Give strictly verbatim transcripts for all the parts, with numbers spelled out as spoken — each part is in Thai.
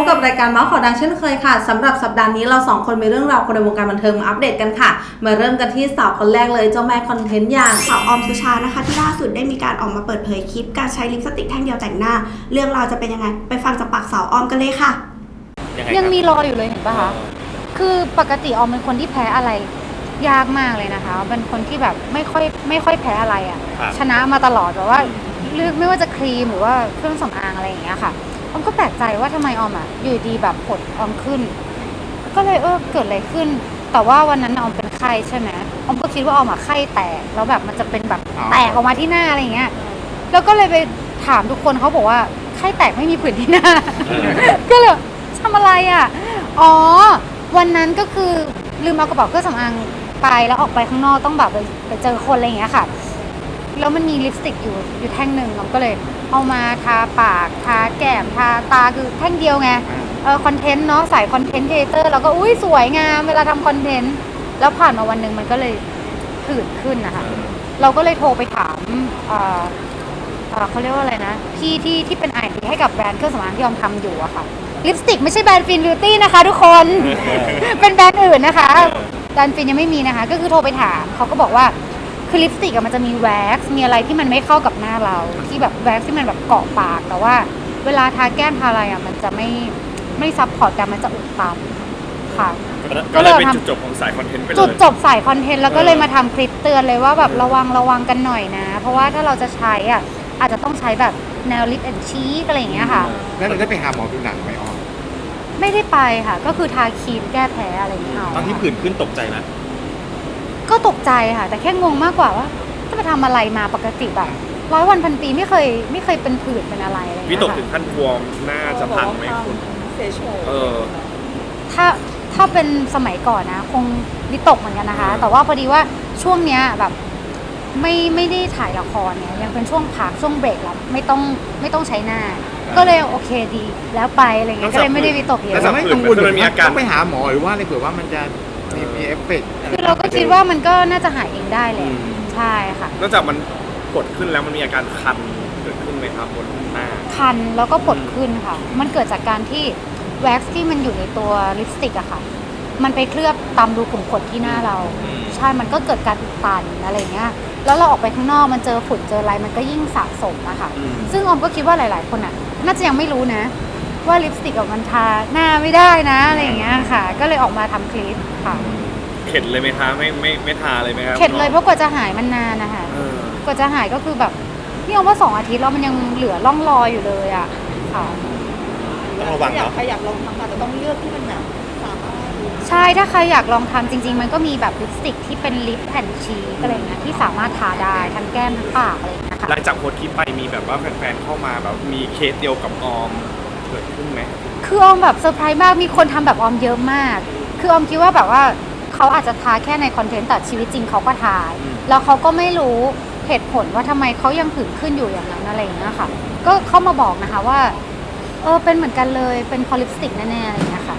บกับรายการเมาส์ข่าวดังเช่นเคยค่ะสำหรับสัปดาห์นี้เราสองคนมีเรื่องราวคนในวงการบันเทิงมาอัปเดตกันค่ะมาเริ่มกันที่สาวคนแรกเลยเจ้าแม่คอนเทนต์อย่างสาวออมสุชานะคะที่ล่าสุดได้มีการออกมาเปิดเผยคลิปการใช้ลิปสติกแท่งเดียวแต่งหน้าเรื่องราวจะเป็นยังไงไปฟังจากปากสาวออมกันเลยค่ะยังมีรอยอยู่เลยเห็นปะคะคือปกติออมเป็นคนที่แพ้อะไรยากมากเลยนะคะเป็นคนที่แบบไม่ค่อยไม่ค่อยแพ้อะไรอ่ะชนะมาตลอดแบบว่าเลือกไม่ว่าจะครีมหรือว่าเครื่องสำอางอะไรอย่างเงี้ยค่ะออมก็แปลกใจว่าทำไมออมอ่ะอยู่ดีแบบผดออมขึ้นก็เลยเออเกิดอะไรขึ้นแต่ว่าวันนั้นออมเป็นไข้ใช่ไหมออมก็คิดว่าออมอ่ะไข้แตกแล้วแบบมันจะเป็นแบบแตกออกมาที่หน้าอะไรอย่างเงี้ยแล้วก็เลยไปถามทุกคนเขาบอกว่าไข้แตกไม่มีผื่นที่หน้า ก็เลยทำอะไรอ่ะอ๋อวันนั้นก็คือลืมเอากระเป๋าเครื่องสำอางไปแล้วออกไปข้างนอกต้องแบบไปเจอคนอะไรอย่างเงี้ยค่ะแล้วมันมีลิปสติกอยู่อยู่แท่งหนึ่งเราก็เลยเอามาทาปากทาแก้มทาตาคือแท่งเดียวไงเออคอนเทนต์เนาะสายคอนเทนต์ครีเอเตอร์เราก็อุ้ยสวยงามเวลาทำคอนเทนต์แล้วผ่านมาวันหนึ่งมันก็เลยผื่นขึ้นนะคะเราก็เลยโทรไปถามเอ่อเขาเรียกว่าอะไรนะพี่ที่ที่เป็นไอดีให้กับแบรนด์เครื่องสำอางที่ยอมทำอยู่อะค่ะลิปสติกไม่ใช่แบรนด์ฟินบิวตี้นะคะทุกคน เป็นแบรนด์อื่นนะคะแบรนด์ฟินยังไม่มีนะคะก็คือโทรไปถามเขาก็บอกว่าคือลิปสติกมันจะมีแว็กซ์มีอะไรที่มันไม่เข้ากับหน้าเราที่แบบแว็กซ์ที่มันแบบเกาะปากแต่ว่าเวลาทาแก้มทาอะไรอ่ะมันจะไม่ไม่ซับพอร์ตกันมันจะอุดตันค่ะก็เลยเป็นจุดจบของสายคอนเทนต์ไปเลยจุดจบสายคอนเทนต์แล้วก็เลยมาทำคลิปเตือนเลยว่าแบบระวังระวังกันหน่อยนะเพราะว่าถ้าเราจะใช้อ่ะอาจจะต้องใช้แบบแนวลิปแอนด์ชีสอะไรอย่างเงี้ยค่ะแล้วเราได้ไปหาหมอผิวหนังไหมออมไม่ได้ไปค่ะก็คือทาครีมแก้แพ้อะไรอย่างเงี้ยตอนที่ผื่นขึ้นตกใจไหมก็ตกใจค่ะแต่แค่งงมากกว่าว่าจะไปทำอะไรมาปกติแบบร้อยวันพันปีไม่เคยไม่เคยเป็นผื่นเป็นอะไรอะไรวิตกถึงขั้นบวมหน้าจะพังไหมคุณเออถ้าถ้าเป็นสมัยก่อนนะคงวิตกเหมือนกันนะคะแต่ว่าพอดีว่าช่วงเนี้ยแบบไม่ไม่ได้ถ่ายละครเนี่ยยังเป็นช่วงพักช่วงเบรกแล้วไม่ต้องไม่ต้องใช้หน้าก็เลยโอเคดีแล้วไปอะไรเงี้ยก็เลยไม่ได้วิตกเยอะแต่ไม่กังวลเลยต้องไปหาหมอหรือว่าอะไรเผื่อว่ามันจะมีมีเอฟเฟกต์คือเราก็คิดว่ามันก็น่าจะหายเองได้เลยใช่ค่ะนอกจากมันกดขึ้นแล้วมันมีอาการคันเกิดขึ้นไหมครับบนหน้าคันแล้วก็ผดขึ้นค่ะมันเกิดจากการที่แว็กซ์ที่มันอยู่ในตัวลิปสติกอะค่ะมันไปเคลือบตามรูขุมขนที่หน้าเราใช่มันก็เกิดการอุดตันอะไรเงี้ยแล้วเราออกไปข้างนอกมันเจอฝุ่นเจออะไรมันก็ยิ่งสะสมอะค่ะซึ่งออมก็คิดว่าหลายๆคนอะน่าจะยังไม่รู้นะว่าลิปสติกมันทาหน้าไม่ได้นะอะไรอย่างเงี้ยค่ะก็เลยออกมาทำคลิปค่ะเข็ดเลยไหมคะไม่ไม่ไม่ทาเลยไหมครับเข็ดเลยเพราะกว่าจะหายมันนานนะคะกว่าจะหายก็คือแบบนี่เอาว่าสองอาทิตย์แล้วมันยังเหลือร่องรอยอยู่เลยอะค่ะต้องระวังเนาะใครอยากลองทำแต่ต้องเลือกที่มันแบบใช่ถ้าใครอยากลองทำจริงๆมันก็มีแบบลิปสติกที่เป็นลิปแอนด์ชีสอะไรเงี้ยที่สามารถทาได้ทั้งแก้มทั้งปากอะไรเงี้ยค่ะหลังจากโพสต์คลิปไปมีแบบว่าแฟนๆเข้ามาแบบมีเคสเดียวกับออมเกิดขึ้นไหมคือออมแบบเซอร์ไพรส์มากมีคนทำแบบออมเยอะมากคือออมคิดว่าแบบว่าเขาอาจจะทาแค่ในคอนเทนต์แต่ชีวิตจริงเขาก็ทาแล้วเขาก็ไม่รู้เหตุผลว่าทำไมเขายังผื่นขึ้นอยู่อย่างนั้นอะไรอย่างเงี้ยค่ะก็เข้ามาบอกนะคะว่าเออเป็นเหมือนกันเลยเป็นพอลิปสติกแน่ๆอะไรอย่างเงี้ยค่ะ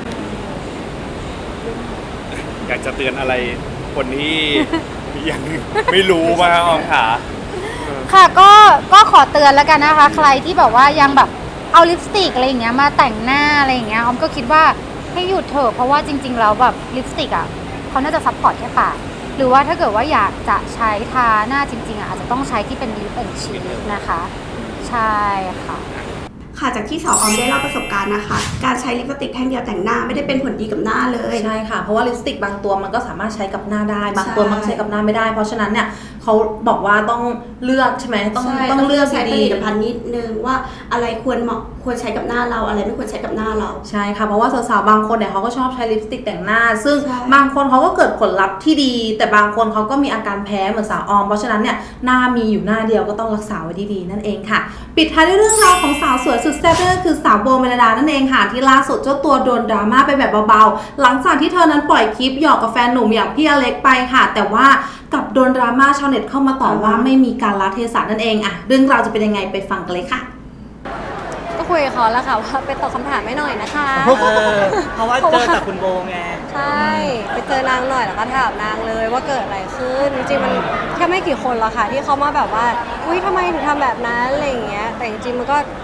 อยากจะเตือนอะไรคนที่ยังไม่รู้ว่าออมขาค่ะก็ก็ขอเตือนแล้วกันนะคะใครที่แบบว่ายังแบบเอาลิปสติกอะไรอย่างเงี้ยมาแต่งหน้าอะไรอย่างเงี้ยออมก็คิดว่าให้หยุดเถอะเพราะว่าจริงๆแล้วแบบลิปสติกอ่ะเขาน่าจะซัพพอร์ตแค่ปากหรือว่าถ้าเกิดว่าอยากจะใช้ทาหน้าจริงๆอ่ะอาจจะต้องใช้ที่เป็นลิปแอนด์ชีสนะคะใช่ค่ะค่ะจากที่สาวออมได้เล่าประสบการณ์นะคะการใช้ลิปสติกแท่งเดียวแต่งหน้าไม่ได้เป็นผลดีกับหน้าเลยใช่ค่ะเพราะว่าลิปสติกบางตัวมันก็สามารถใช้กับหน้าได้บางตัวมันใช้กับหน้าไม่ได้เพราะฉะนั้นเนี่ยเขาบอกว่าต้องเลือกใช่ไหมต้องต้องเลือกใช้ผลิตภัณฑ์นิดนึงว่าอะไรควรเหมาะควรใช้กับหน้าเราอะไรไม่ควรใช้กับหน้าเราใช่ค่ะเพราะว่าสาวๆบางคนเนี่ยเขาก็ชอบใช้ลิปสติกแต่งหน้าซึ่งบางคนเขาก็เกิดผลลัพธ์ที่ดีแต่บางคนเขาก็มีอาการแพ้เหมือนสาวออมเพราะฉะนั้นเนี่ยหน้ามีอยู่หน้าเดียวก็ต้องรักษาไว้ดีๆนั่นเองค่ะปิดท้ายด้วยเรื่องราวของสาวสวยสุดแซ่บนั่นก็คือสาวโบเมลดานั่นเองค่ะที่ล่าสุดเจ้าตัวโดนดราม่าไปแบบเบาๆหลังจากที่เธอนั้นปล่อยคลิปหยอกกับแฟนหนุ่มอย่างพี่อเล็กไปค่ะแต่ว่ากับโดนดราม่าชาวเน็ตเข้ามาต่อว่าไม่มีการละเทศะนั่นเองอะเรื่องราวจะเป็นยังไงไปฟังกันเลยค่ะก็คุยกับเขาแล้วค่ะว่าไปตอบคำถามให้หน่อยนะคะเพราะว่าเจอแต่คุณโบไงใช่ไปเจอนางหน่อยแล้วก็ถามนางเลยว่าเกิดอะไรขึ้นจริงๆมันแค่ไม่กี่คนหรอกค่ะที่เขามาแบบว่าอุ้ยทำไมถึงทำแบบนั้นอะไรอย่างเงี้ยแต่จริงๆมันก็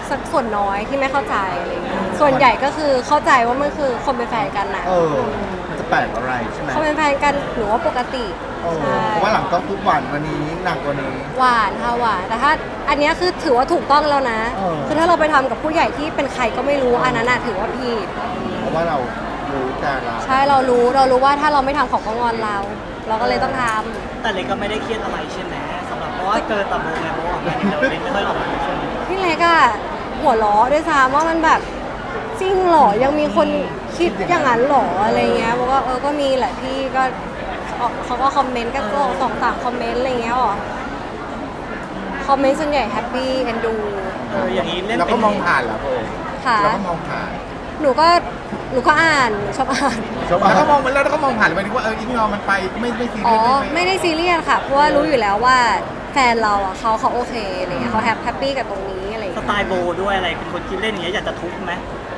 สักส่วนน้อยที่ไม่เข้าใจอะไรเงี้ยส่วนใหญ่ก็คือเข้าใจว่ามันคือคนเป็นแฟนกันนะเออ มันจะแปลกอะไรใช่ไหมเขาเป็นแฟนกันหนูว่าปกติเออใช่เพราะว่าหลังต้องทุกวันวันนี้หนักกว่านี้หวานค่ะหวานแต่ถ้าอันเนี้ยคือถือว่าถูกต้องแล้วนะเออคือถ้าเราไปทำกับผู้ใหญ่ที่เป็นใครก็ไม่รู้อันนั้นน่ะถือว่าผิดเพราะว่าเรารู้การเราใช่เรารู้เรารู้ว่าถ้าเราไม่ทำของเขางอนเรา เราก็เลยต้องทำแต่เล็กก็ไม่ได้เครียดอะไรใช่ไหมสำหรับเพราะว่าเกินตับโมไงเพราะว่าเดี๋ยวเล็กไม่ค่อยออกมาใช่ไหมพี่เล็กอะหัวล้อด้วยซ้ำว่ามันแบบจริงเหรอยังมีคนคิดอย่างนั้นเหรออะไรเงี้ยบอกว่าเออก็มีแหละพี่ก็เขาก็คอมเมนต์กันสองสองสามคอมเมนต์อะไรเงี้ยหรอคอมเมนต์ส่วนใหญ่แฮปปี้เอ็นดูเอออย่างนี้เล่นเราเป็ก็นมองผ่านเหรอโบค่ะเราก็มองผ่านหนูก็หนูก็อ่านหนูชอบอ่านชาวบ้านก็มองมันแล้วก็มองผ่านหมายถึงว่าเอออีกงอมันไปไม่ไม่ซีอ๋เรีอยสไม่ได้ซีเรียสค่ะเพราะว่ารู้อยู่แล้วว่าแฟนเราอ่ะเขาเขาโอเคอะไรเงี้ยเขาแฮปปี้กับตรงนี้อะไรสเงี้ยไตล์โบด้วยอะไรเป็นคนคิดเล่นอย่างเงี้ยอยากจะทุบไหม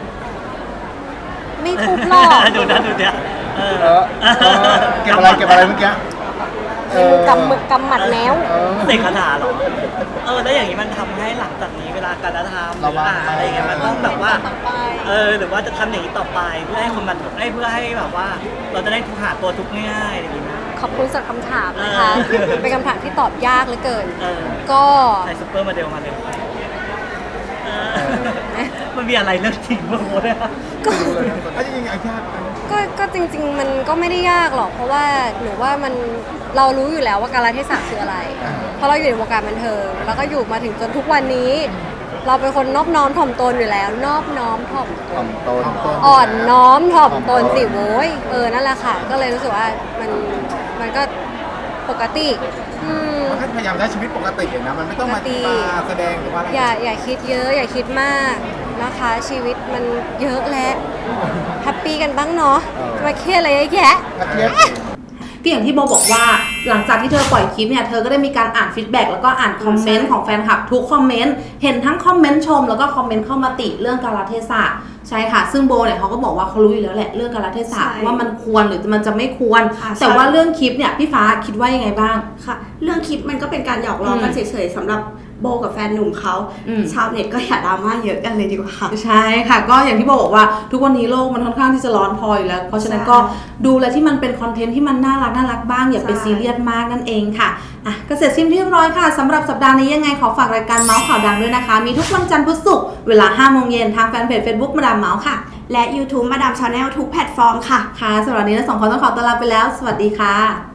ไม่ทุบหรอกดูนะดูเนี่ยเออเออเออเก็บอะไรเก็บอะไรเมื่อกี้เออกำมือกำหมัดแมวเออเสกคาถาเหรอเออแล้วอย่างนี้มันทำให้หลังจากนี้เวลาการกระทำหรืออ่านอะไรอย่างเงี้ยมันต้องแบบว่า เออหรือว่าจะทำอย่างนี้ต่อไปเพื่อให้คนมันให้เพื่อให้แบบว่า เราจะได้หาตัวทุกข์ง่ายๆอะไรอย่างเงี้ยขอบคุณสำหรับคำถามนะคะเออเป็นคำถามที่ตอบยากเหลือเกินเออก็ใส่ซุปเปอร์มาเดลมาเลยเออมันมีอะไรเรื่องจริงบ้างวะเนี่ยก็ถ้าจริงๆไอ้ชาติก็ก็จริง ๆ มันก็ไม่ได้ยากหรอก เพราะว่าหนูว่ามันเรารู้อยู่แล้วว่าการเทศะคืออะไร เพราะเราอยู่ในวงการบันเทิง แล้วก็อยู่มาถึงจนทุกวันนี้ เราเป็นคนนอบน้อมถ่อมตนอยู่แล้ว นอบน้อมถ่อมตถ่อน มตนอ่อนน้อมถ่อมตนสิโว้ยเออนั่นแหละค่ะ ก็เลยรู้สึกว่ามันมันก็ปกติอืมมันก็พยายามใช้ชีวิตปกตินะมันไม่ต้องมาปกติมาแสดงหรือว่าอะไรอย่าอย่าคิดเยอะอย่าคิดมากนะคะ ชีวิตมันเยอะแล้วแฮปปี้กันบ้างเนาะมาเครียดอะไรเยอะแยะถ้าเทียบก็อย่างที่โบบอกว่าหลังจากที่เธอปล่อยคลิปเนี่ยเธอก็ได้มีการอ่านฟีดแบ็กแล้วก็อ่านคอมเมนต์ของแฟนคลับทุกคอมเมนต์เห็นทั้งคอมเมนต์ชมแล้วก็คอมเมนต์เข้ามาติเรื่องกาลเทศะใช่ค่ะซึ่งโบเนี่ยเขาก็บอกว่าเขารู้อยู่แล้วแหละเรื่องกาลเทศะใช่ว่ามันควรหรือมันจะไม่ควรค่ะแต่ใช่ว่าเรื่องคลิปเนี่ยพี่ฟ้าคิดว่ายังไงบ้างค่ะเรื่องคลิปมันก็เป็นการหยอกล้อกันอืมเฉยๆสำหรับโบกับแฟนหนุ่มเขาอืมชาวเน็ตก็อย่าดราม่าเยอะกันเลยดีกว่าค่ะใช่ค่ะก็อย่างที่โบบอกว่าทุกวันนี้โลกมันค่อนข้างที่จะร้อนพออยู่แล้ว เพราะฉะนั้นก็ดูอะไรที่มันเป็นคอนเทนต์ที่มันน่ารักน่ารักบ้างอย่าไปใช่ซีเรียสมากนั่นเองค่ะอ่ะก็เสร็จสิ้นเรียบร้อยค่ะสำหรับสัปดาห์นี้ยังไงขอฝากรายการเมาส์ข่าวดังด้วยนะคะ มีทุกวันจันทร์พุธศุกร์เวลาห้าโมงเย็นทางแฟนเพจ Facebook มาดามเมาส์ค่ะและ YouTube มาดามชาแนลทุกแพลตฟอร์มค่ะค่ะสำหรับวันนี้เราสองคนต้องขอตัวลาไปแล้ว สวัสดีค่ะ